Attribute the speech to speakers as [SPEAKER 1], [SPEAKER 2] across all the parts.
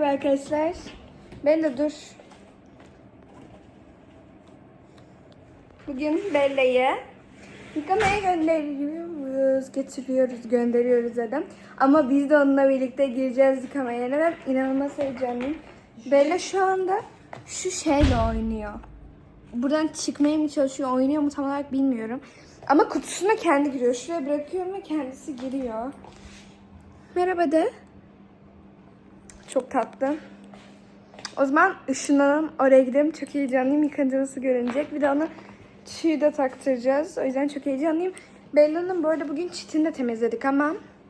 [SPEAKER 1] Merhaba arkadaşlar. Bella dur. Bugün Bella'yı yıkamaya gönderiyoruz dedim. Ama biz de onunla birlikte gireceğiz yıkamaya. Ben inanılmaz heyecanlıyım. Bella şu anda şu şeyle oynuyor. Buradan çıkmaya mı çalışıyor, oynuyor mu tam olarak bilmiyorum. Ama kutusuna kendi giriyor. Şuraya bırakıyorum ve kendisi giriyor. Merhaba de. Çok tatlı. O zaman ışınlanalım, oraya gidelim. Çok heyecanlıyım. Yıkanacağımızı görünecek. Bir de ona tüyü de taktıracağız. O yüzden çok heyecanlıyım. Bella'nın bu arada bugün çitini de temizledik ama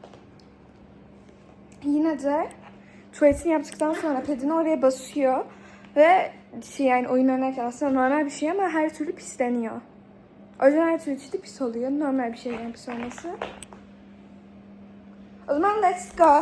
[SPEAKER 1] yine de tuvaletini yaptıktan sonra pedini oraya basıyor. Ve yani oyun oynarken aslında normal bir şey ama her türlü pisleniyor. O yüzden her türlü çiti pis oluyor. Normal bir şey yani pis olması. O zaman let's go.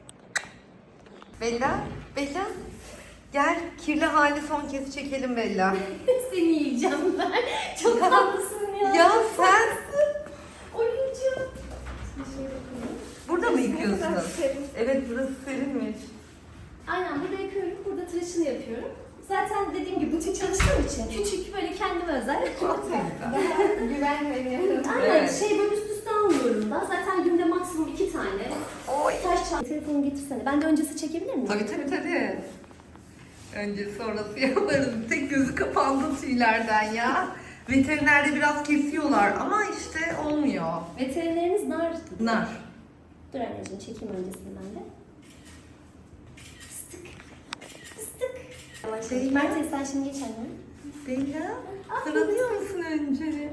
[SPEAKER 2] Bella, Bella. Gel kirli hali son kez çekelim Bella.
[SPEAKER 3] Seni yiyeceğim ben. Çok tatlısın ya.
[SPEAKER 2] Ya
[SPEAKER 3] Çok
[SPEAKER 2] sen
[SPEAKER 3] tatlısın. Oyuncağım.
[SPEAKER 2] burada mı yıkıyorsun?
[SPEAKER 1] Biraz serin.
[SPEAKER 2] Evet burası serinmiş.
[SPEAKER 3] Aynen burada yıkıyorum. Burada tıraşını yapıyorum. Zaten dediğim gibi butik çalıştığım için küçük böyle kendime özel.
[SPEAKER 1] Güven veriyorum.
[SPEAKER 3] Aynen
[SPEAKER 2] Evet.
[SPEAKER 3] şey böyle üst üste almıyorum da. Zaten günde maksimum 2 tane.
[SPEAKER 2] Oy.
[SPEAKER 3] Taş çanta. Telefonu getirsene. Ben de öncesi çekebilir miyim?
[SPEAKER 2] Tabii. Önce sonrası yaparız. Tek gözü kapandı tüylerden ya. Veterinerde biraz kesiyorlar ama işte olmuyor.
[SPEAKER 3] Veterineriniz nar.
[SPEAKER 2] Nar.
[SPEAKER 3] Dur anneciğim çekeyim öncesini ben de. Fıstık. Fıstık. Yavaş yavaş. Mert sen şimdi geç anne.
[SPEAKER 2] Bella, taranıyor musun önce?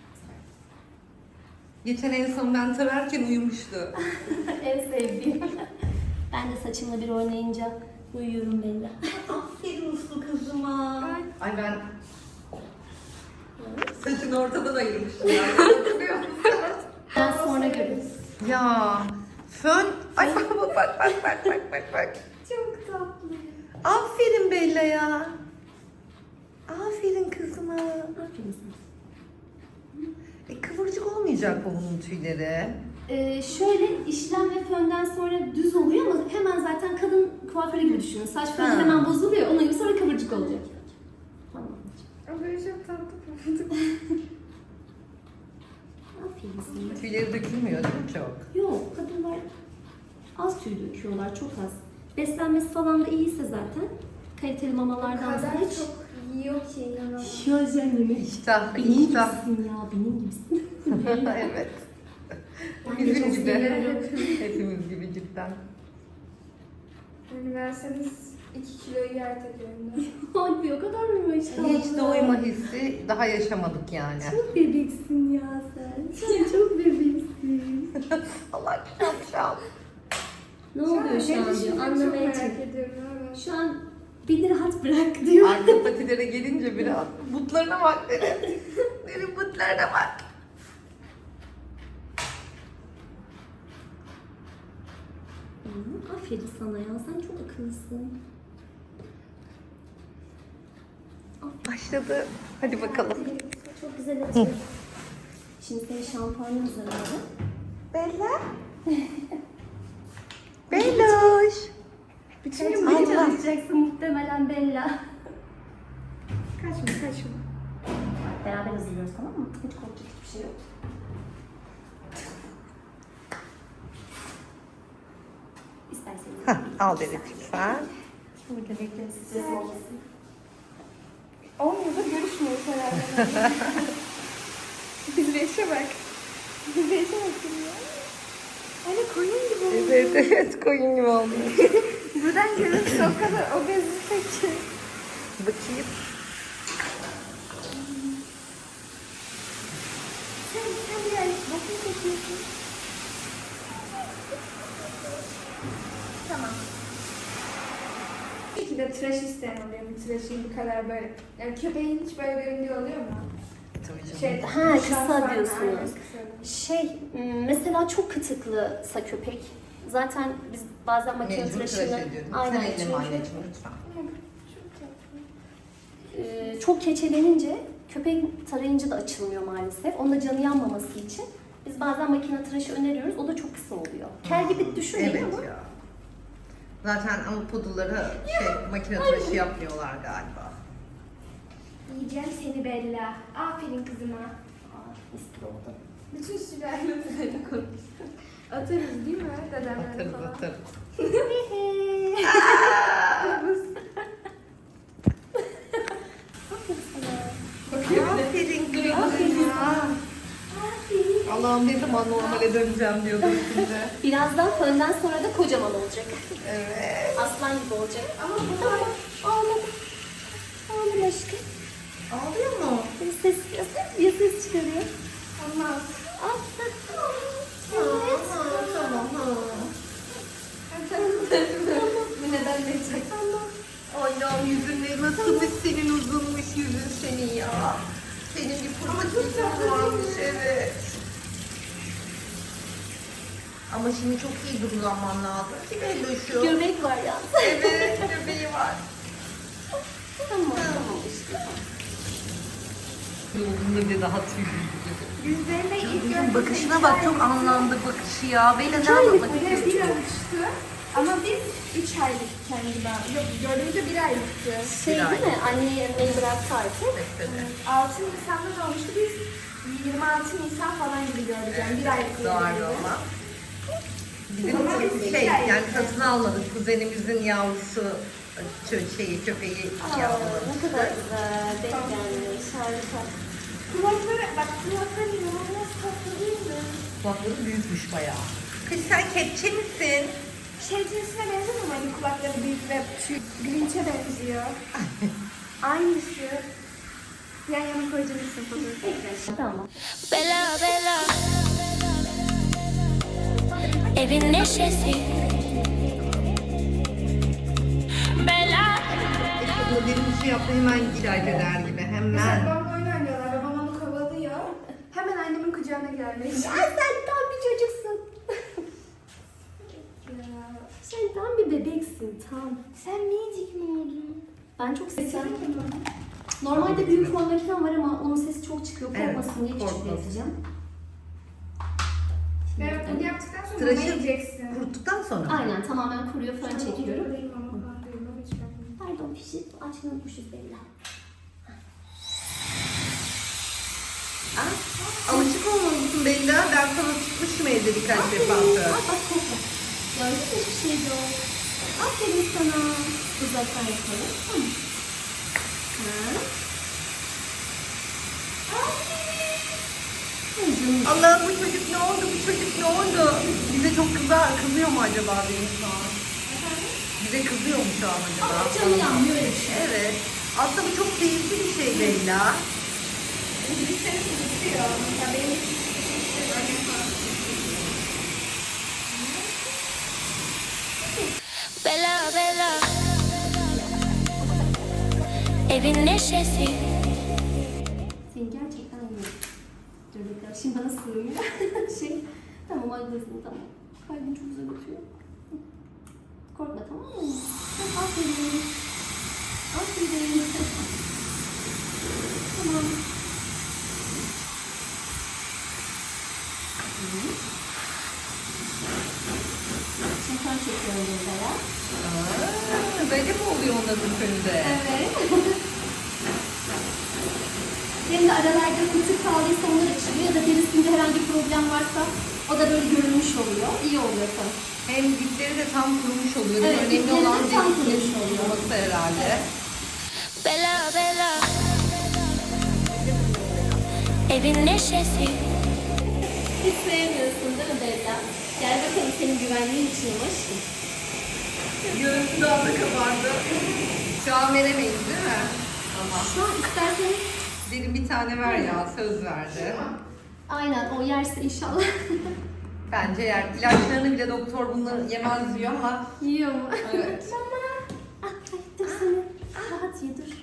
[SPEAKER 2] Geçen en son ben tararken uyumuştu.
[SPEAKER 3] En sevdiğim. Ben de saçımla bir oynayınca uyuyorum Bella.
[SPEAKER 2] Aferin uslu kızıma. Ay ben saçını ortadan ayırmıştım. Hatırlıyor musun?
[SPEAKER 3] Ben sonra görürüz.
[SPEAKER 2] Ya fön. Ay bak.
[SPEAKER 1] Çok tatlı.
[SPEAKER 2] Aferin Bella ya. Aferin kızıma.
[SPEAKER 3] Aferin sana.
[SPEAKER 2] Kıvırcık olmayacak bu bunun tüyleri.
[SPEAKER 3] Şöyle işlem ve fönden sonra düz oluyor ama hemen zaten kadın kuaförü gibi düşünün. Saç fönü
[SPEAKER 2] Ha.
[SPEAKER 3] hemen bozuluyor. Onun gibi sonra kıvırcık olacak. Tamam.
[SPEAKER 1] O böyle çok tatlı pofuduk.
[SPEAKER 3] Aferin sana.
[SPEAKER 2] Tüyleri dökülmüyor değil mi çok?
[SPEAKER 3] Yok kadınlar az tüy döküyorlar. Çok az. Beslenmesi falan da iyiyse zaten. Kaliteli
[SPEAKER 1] O
[SPEAKER 3] mamalardan
[SPEAKER 1] kadar
[SPEAKER 3] hiç.
[SPEAKER 1] çok yiyor ki inanamam.
[SPEAKER 3] Ya canım.
[SPEAKER 2] İştah,
[SPEAKER 3] Benim
[SPEAKER 2] iştah.
[SPEAKER 3] gibisin ya. Benim gibisin.
[SPEAKER 2] Evet.
[SPEAKER 3] Ben de
[SPEAKER 2] Bizim
[SPEAKER 3] çok
[SPEAKER 2] gibi.
[SPEAKER 3] seviyorum.
[SPEAKER 2] Hepimiz gibi cidden.
[SPEAKER 1] Yani verseniz 2 kiloyu yer tekrar.
[SPEAKER 3] Hadi o kadar mı işte?
[SPEAKER 2] Hiç doyma hissi daha yaşamadık yani.
[SPEAKER 3] Çok bebeksin ya sen. Sen çok bebeksin.
[SPEAKER 2] Allah şapşal.
[SPEAKER 3] Ne oluyor şu an diyor. Anlamaya
[SPEAKER 1] merak
[SPEAKER 3] çalışıyorum.
[SPEAKER 1] ediyorum. Evet.
[SPEAKER 3] Şu an beni rahat bırak diyor.
[SPEAKER 2] Arka patilere gelince biraz butlarına bak derim. Derim butlarına bak.
[SPEAKER 3] Aferin sana ya. Sen çok akıllısın.
[SPEAKER 2] Başladı. Hadi bakalım.
[SPEAKER 3] Çok güzel atıyor. Şimdi senin şampuanın hazırladım.
[SPEAKER 2] Bella. Belloş.
[SPEAKER 3] Bütün gün beni çalışacaksın muhtemelen Bella.
[SPEAKER 1] Kaçma.
[SPEAKER 3] Beraber hazırlıyoruz tamam mı? Hiç korkacak hiçbir şey yok. İsterseniz.
[SPEAKER 2] Hah, al dedik lütfen.
[SPEAKER 3] Burada bekleriz. Stres olmasın.
[SPEAKER 1] Olmuyor da görüşmüyoruz herhalde. Bizleşe bak. Bizleşe bak ya. Hani koyun gibi oldu.
[SPEAKER 2] Evet koyun gibi oldu.
[SPEAKER 1] Buradan görünse o kadar obezite ki.
[SPEAKER 2] Bakayım.
[SPEAKER 1] Sen bir ay bakın çekiyorsun. Tamam. Bir de tıraş isteyen oluyor. Bir tıraşın bu kadar böyle. Yani köpeğin hiç böyle göründüğü oluyor mu?
[SPEAKER 2] Tabii canım.
[SPEAKER 1] Şey,
[SPEAKER 3] Ha, kısa
[SPEAKER 1] şampuan,
[SPEAKER 3] diyorsunuz.
[SPEAKER 1] aynen, kısa.
[SPEAKER 3] Mesela çok kıtıklısa köpek. Zaten biz bazen makine
[SPEAKER 2] Mecbur tıraş
[SPEAKER 3] tıraşını...
[SPEAKER 2] ediyorum.
[SPEAKER 3] Aynen
[SPEAKER 2] Sen elleme
[SPEAKER 3] çünkü
[SPEAKER 2] anneciğim lütfen.
[SPEAKER 3] çok keçelenince köpeğin tarayınca da açılmıyor maalesef. Onda canı yanmaması için biz bazen makine tıraşı öneriyoruz. O da çok kısa oluyor. Kel gibi düşünmeyin
[SPEAKER 2] Evet
[SPEAKER 3] ama
[SPEAKER 2] ya. Zaten ama pudulları makine tıraşı yapmıyorlar galiba.
[SPEAKER 1] Yiyeceğim seni Bella. Aferin kızıma.
[SPEAKER 3] Mis oldu.
[SPEAKER 1] Bütün sülalemize konuş. Atarız değil mi dedemlere
[SPEAKER 2] Atarız
[SPEAKER 1] falan?
[SPEAKER 2] atarız. Aferin kızım ya. Allah'ım ne zaman normale döneceğim diyordum şimdi.
[SPEAKER 3] Birazdan fönden sonra da kocaman olacak.
[SPEAKER 2] Evet.
[SPEAKER 3] Aslan gibi olacak. Ama ağladı. Ağlama aşkım.
[SPEAKER 2] Ağlıyor mu?
[SPEAKER 3] Bir ses çıkarıyor.
[SPEAKER 1] Olmaz.
[SPEAKER 3] Evet.
[SPEAKER 2] Tamam.
[SPEAKER 1] Bu neden verecek?
[SPEAKER 2] Allah'ım yüzün nasılmış senin uzunmuş yüzün senin ya. Senin bir pırpıtın varmış evet. Ama şimdi çok iyi durulanman lazım ki belli şu.
[SPEAKER 3] Göbek var ya.
[SPEAKER 2] Evet göbeği var.
[SPEAKER 3] Tamam işte.
[SPEAKER 2] Yolunda bile daha tüylü.
[SPEAKER 1] Yüzlerinde ilk
[SPEAKER 2] Kızın bakışına bak çok anlamlı bakışı ya. Beyler ne
[SPEAKER 1] aylık
[SPEAKER 2] anlatmak
[SPEAKER 1] bile
[SPEAKER 2] istiyorsun?
[SPEAKER 1] bir olmuştu. Ama biz 3 aylık kendi daha. Yok gördüğümüzde 1 aylıktı.
[SPEAKER 3] Şey
[SPEAKER 2] Bir
[SPEAKER 3] değil mi? Anne yemeği bıraktı artık.
[SPEAKER 2] Mesela.
[SPEAKER 1] 6 Nisan'da doğmuştu. Biz 26 Nisan falan gibi gördük yani 1 aylık
[SPEAKER 2] Doğru
[SPEAKER 1] gibi.
[SPEAKER 2] ama. Bizim
[SPEAKER 1] Ama biz
[SPEAKER 2] şey
[SPEAKER 1] iki aylık.
[SPEAKER 2] yani satın almadık. Kuzenimizin yavrusu köpeği
[SPEAKER 3] Aa,
[SPEAKER 2] yavrusu.
[SPEAKER 3] ne kadar güzel. Denk gelmiş. Harika.
[SPEAKER 1] Kulakları, bak kulakları inanılmaz tatlı değil mi?
[SPEAKER 2] Kulakları büyükmüş bayağı. Kız sen kepçe misin?
[SPEAKER 1] Şey cinsine benzemiyor mu? Hani kulakları büyük ve Grinch'e benziyor. Aynısı. Yan yana koyacaksın fotoğrafı.
[SPEAKER 3] Tamam.
[SPEAKER 4] Bella, Bella. Evin neşesi. Bella.
[SPEAKER 2] Bu benim için yaptığı hemen ilaç eder gibi
[SPEAKER 1] Mesela
[SPEAKER 2] hemen.
[SPEAKER 1] babamla oyun oynuyorlar. Babam onu kovalıyor. Hemen annemin kucağına gelmiş.
[SPEAKER 3] Ay sen tam bir çocuksun. Sen tam bir bebeksin tam.
[SPEAKER 1] Sen minicik mi oldun?
[SPEAKER 3] Ben çok seviyorum. Normalde büyük fon makinem var ama onun sesi çok çıkıyor.
[SPEAKER 2] Evet,
[SPEAKER 3] Korkmasın diye küçük
[SPEAKER 2] korkmasın.
[SPEAKER 3] yapacağım.
[SPEAKER 1] Evet, bunu yaptıktan sonra
[SPEAKER 2] Tıraşı
[SPEAKER 1] mama yiyeceksin.
[SPEAKER 2] kuruttuktan sonra mı?
[SPEAKER 3] Aynen tamamen kuruyor fön çekiyorum.
[SPEAKER 1] Buradayım ama falan değil, baba hiç bakmıyorum.
[SPEAKER 3] Pardon pişi açmayı unutmuşuz Bella.
[SPEAKER 2] Alışık olmalısın Bella. Ben sana tutmuşum evde birkaç defa söz.
[SPEAKER 3] Bak kokla. Gördün mü hiçbir şey yok. Aferin sana. Uzaktan yapalım. Tamam. Ha. Ay canım.
[SPEAKER 2] Allah'ım bu çocuk ne oldu? Bu çocuk ne oldu? Bize çok kızıyor mu acaba benim şu an? Bize kızıyor mu şu an acaba?
[SPEAKER 3] Ama canı yanmıyor öyle bir şey.
[SPEAKER 2] Evet. Aslında bu çok keyifli bir şey Bella.
[SPEAKER 1] Bir seni tutuyor. Mesela benim annem falan.
[SPEAKER 4] Bella, Bella. Evin neşesi.
[SPEAKER 3] Seni gerçekten iyi. Dur bekle. Şimdi bana sığmıyor. Tamam haklısın tamam. Kalbim çok güzel atıyor. Korkma tamam mı? Aferin. Aferin. Tamam. Şimdi kan çekiyorum burada ya.
[SPEAKER 2] Böyle mi oluyor onların önünde?
[SPEAKER 3] Evet. Benim de aralarda kısık kaldıysa onlar açılıyor ya da derisinde herhangi bir problem varsa o da böyle görünmüş oluyor. İyi oluyor tabii.
[SPEAKER 2] Hem dipleri de tam kurumuş oluyor.
[SPEAKER 3] Evet,
[SPEAKER 2] Önemli
[SPEAKER 3] dipleri de
[SPEAKER 2] olan
[SPEAKER 3] tam
[SPEAKER 2] derisinin
[SPEAKER 3] kurumuş oluyor.
[SPEAKER 2] kuruması herhalde.
[SPEAKER 4] Bella, Bella. Evin neşesi.
[SPEAKER 3] Hiç sevmiyorsun değil mi Bella? Gel bakalım senin güvenliğin için aşkım.
[SPEAKER 2] Görüntü daha da kabardı. Şu an veremeyiz değil mi? Ama
[SPEAKER 3] Şu an isterseniz
[SPEAKER 2] derin bir tane ver ya söz verdi.
[SPEAKER 3] aynen o yerse inşallah.
[SPEAKER 2] Bence yer. İlaçlarını bile doktor bunları yemez diyor ama
[SPEAKER 3] Yiyor mu?
[SPEAKER 2] evet.
[SPEAKER 3] Ay dur seni. Rahat ye dur.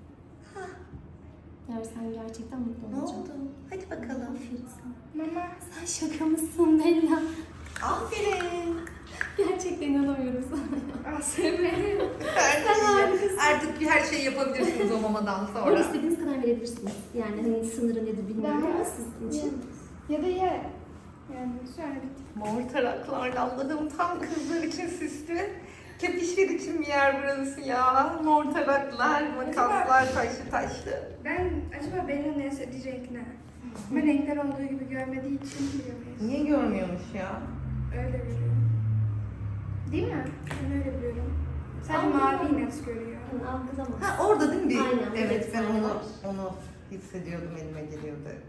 [SPEAKER 3] Yersen gerçekten mutlu
[SPEAKER 2] Ne
[SPEAKER 3] olacağım.
[SPEAKER 2] oldu? Hadi bakalım.
[SPEAKER 3] Aferin sana.
[SPEAKER 1] Mama.
[SPEAKER 3] Sen şaka mısın Bella?
[SPEAKER 2] Aferin.
[SPEAKER 3] Gerçekten inanamıyorum sana.
[SPEAKER 1] Aferin.
[SPEAKER 2] Artık her şeyi yapabilirsiniz o mamadan
[SPEAKER 3] Ama
[SPEAKER 2] sonra.
[SPEAKER 3] istediğiniz kadar verebilirsiniz. Yani hani sınırı nedir bilmiyorum ama sizin için.
[SPEAKER 1] Ya da ye. Yani sonra bitti.
[SPEAKER 2] Mor taraklarla Allah'ım tam kızlar için süslü. Kepişler için bir yer burası ya. Mor taraklar, makaslar, taşlı.
[SPEAKER 1] Ben acaba Bella'nın en sevdiği renk ne? Ama renkler olduğu gibi görmediği için bilemeyiz.
[SPEAKER 2] Niye görmüyormuş ya?
[SPEAKER 1] Öyle biliyorum. Değil mi? Ben öyle biliyorum. Sadece mavi net görüyor.
[SPEAKER 3] Yani algılamaz.
[SPEAKER 2] Ha orada değil mi?
[SPEAKER 3] Aynen,
[SPEAKER 2] Evet ben
[SPEAKER 3] detaylar.
[SPEAKER 2] onu hissediyordum, elime geliyordu hep.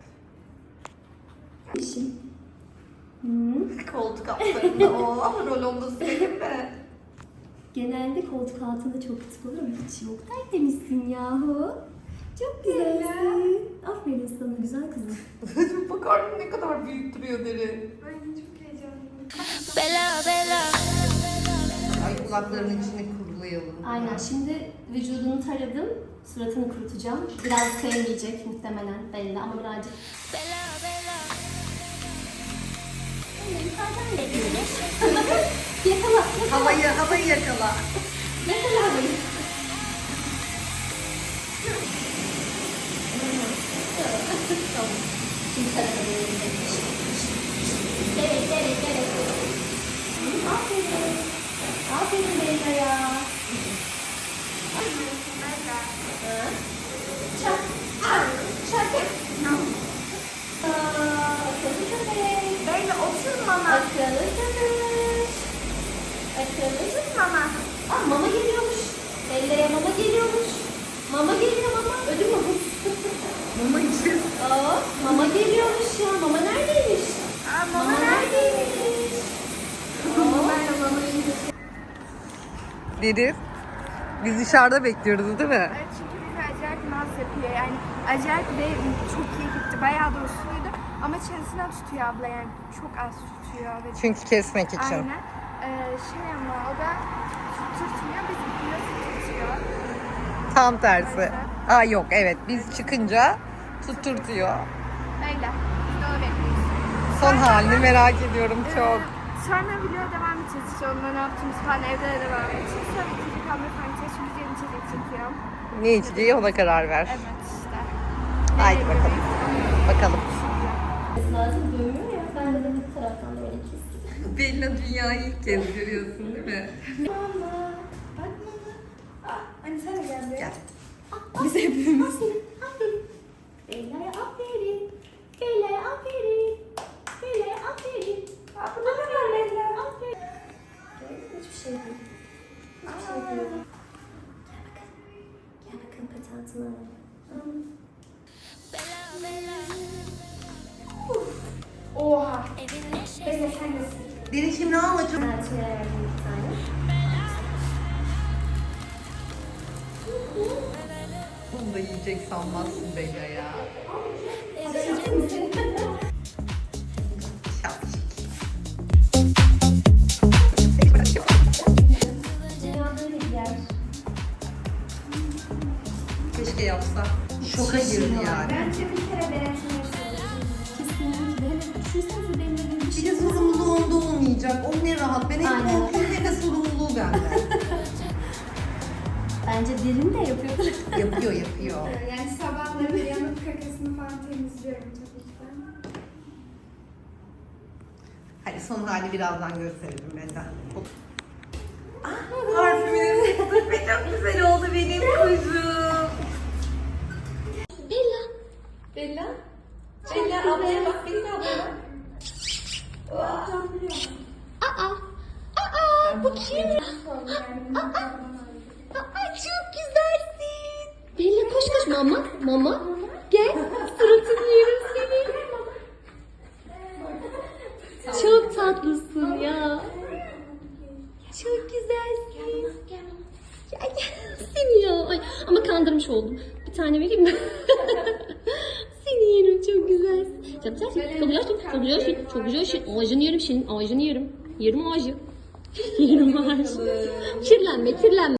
[SPEAKER 3] İşim.
[SPEAKER 2] Koltuk altlarında o rolonda senin mi?
[SPEAKER 3] Genelde koltuk altında çok küçük olur ama hiç yok. Tertemizsin yahu. Çok güzelsin. Aferin sana güzel kızım.
[SPEAKER 2] Bakar mısın ne kadar büyük duruyor deri.
[SPEAKER 1] Ay çok heyecanlıyım.
[SPEAKER 4] Bella, bella.
[SPEAKER 2] Ay kulaklarının içine kurulayalım.
[SPEAKER 3] Aynen şimdi vücudunu taradım. Suratını kurutacağım. Biraz sevmeyecek muhtemelen belli ama birazcık.
[SPEAKER 4] Bella, bella.
[SPEAKER 3] Yukarıdan
[SPEAKER 4] Evin
[SPEAKER 3] yapıyorum.
[SPEAKER 4] neşesi.
[SPEAKER 3] Yakala.
[SPEAKER 2] Havayı yakala.
[SPEAKER 3] Yakala beni. Tamam. Şimdi tarafa doğru. Gerek. Aferin. Aferin Bella'ya. Çak. Çak. Akıllı köpek.
[SPEAKER 1] Bella otur mama.
[SPEAKER 3] Akıllı köpek. Akıllı
[SPEAKER 1] Mama.
[SPEAKER 3] Aa, mama geliyormuş. Bella'ya mama geliyormuş. Mama geliyor mama. Ödül mü bu?
[SPEAKER 2] Mama için.
[SPEAKER 3] Aa, mama geliyormuş ya. Mama neredeymiş? Mama neredeymiş?
[SPEAKER 2] Deniz. Biz dışarıda bekliyoruz değil mi?
[SPEAKER 1] Evet, çünkü bizi acayip naz yapıyor. Yani acayip ve çok iyi gitti. Bayağı da usluydu. Ama çenesinden tutuyor abla yani. Çok az tutuyor. Ve
[SPEAKER 2] Çünkü kesmek için.
[SPEAKER 1] aynen. Ama o da tutmuyor. Biz biraz tutuyor.
[SPEAKER 2] Tam tersi. Aa yok evet biz çıkınca tutturtuyor.
[SPEAKER 1] Öyle. Biz de onu bekliyoruz.
[SPEAKER 2] Son halini merak ediyorum çok.
[SPEAKER 1] Sonra video devam edeceğiz. İşte onunla ne yaptığımız falan evde de devam edeceğiz. Sonra ikinci kamera falan edeceğiz. Çünkü diğer içecek çekiyorum.
[SPEAKER 2] Ne içeceği ona karar ver.
[SPEAKER 1] Evet işte.
[SPEAKER 2] Haydi
[SPEAKER 1] Nereye
[SPEAKER 2] bakalım.
[SPEAKER 1] gidiyoruz?
[SPEAKER 2] Bakalım.
[SPEAKER 3] Lazım dövüyor ya. Ben de bu taraftan böyle kestim.
[SPEAKER 2] Bella dünyayı ilk kez görüyorsun değil mi?
[SPEAKER 3] Mama.
[SPEAKER 1] Bak mama. Anne sen de gel buraya.
[SPEAKER 2] Gel.
[SPEAKER 1] Biz hepimiz.
[SPEAKER 3] Aferin. Bella'ya aferin. Bella'ya aferin. Bella'ya aferin. Aferin Bella. Aferin. Hiçbir şey değil. Hiçbir şey değil. Gel bakalım patentini alalım.
[SPEAKER 4] Bella, bella.
[SPEAKER 1] Oha.
[SPEAKER 4] Evin neşesi.
[SPEAKER 1] Bella sen nesin?
[SPEAKER 2] Deri şimdi ne alacağım?
[SPEAKER 3] Patentini verdim bir tane.
[SPEAKER 2] Bunu da yiyecek sanmazsın Bella ya.
[SPEAKER 3] Dünya böyle bir yer.
[SPEAKER 2] Keşke yapsa. Şoka girdi yani.
[SPEAKER 1] Bence bir kere denetmek
[SPEAKER 3] Kesinlikle. Hele düşünsenize benim de bir
[SPEAKER 2] Bir
[SPEAKER 3] şey.
[SPEAKER 2] de sorumluluğu onda olmayacak. O ne rahat. Ben hep
[SPEAKER 3] Aynen.
[SPEAKER 2] korkuyorum ne de sorumluluğu bende.
[SPEAKER 3] Bence derin de yapıyor.
[SPEAKER 2] yapıyor.
[SPEAKER 1] Yani sabahları yanıp kakasını falan temizliyorum tabii ki ben.
[SPEAKER 2] Hadi son hali birazdan gösterelim Bella. Parfümünü sıktık ve çok güzel oldu benim kuzum.
[SPEAKER 3] Bella.
[SPEAKER 2] Bella. Bella ablaya bak, Bella ablaya bak.
[SPEAKER 3] Bu kim? Çok güzelsin. Bella koş koş mama. Mama. Gel. Suratını yerim seni. Çok tatlısın ya. Çok güzelsin. Gel seni ya. Ay, ama kandırmış oldum. Bir tane vereyim mi? Seni yerim çok güzelsin. Çok güzelsin. Çok güzelsin. Çok güzelsin. Çok güzelsin. Ağacını yerim senin. Ağacını yerim. Yerim ağacı. Yerim ağacı. Kirlenme kirlenme.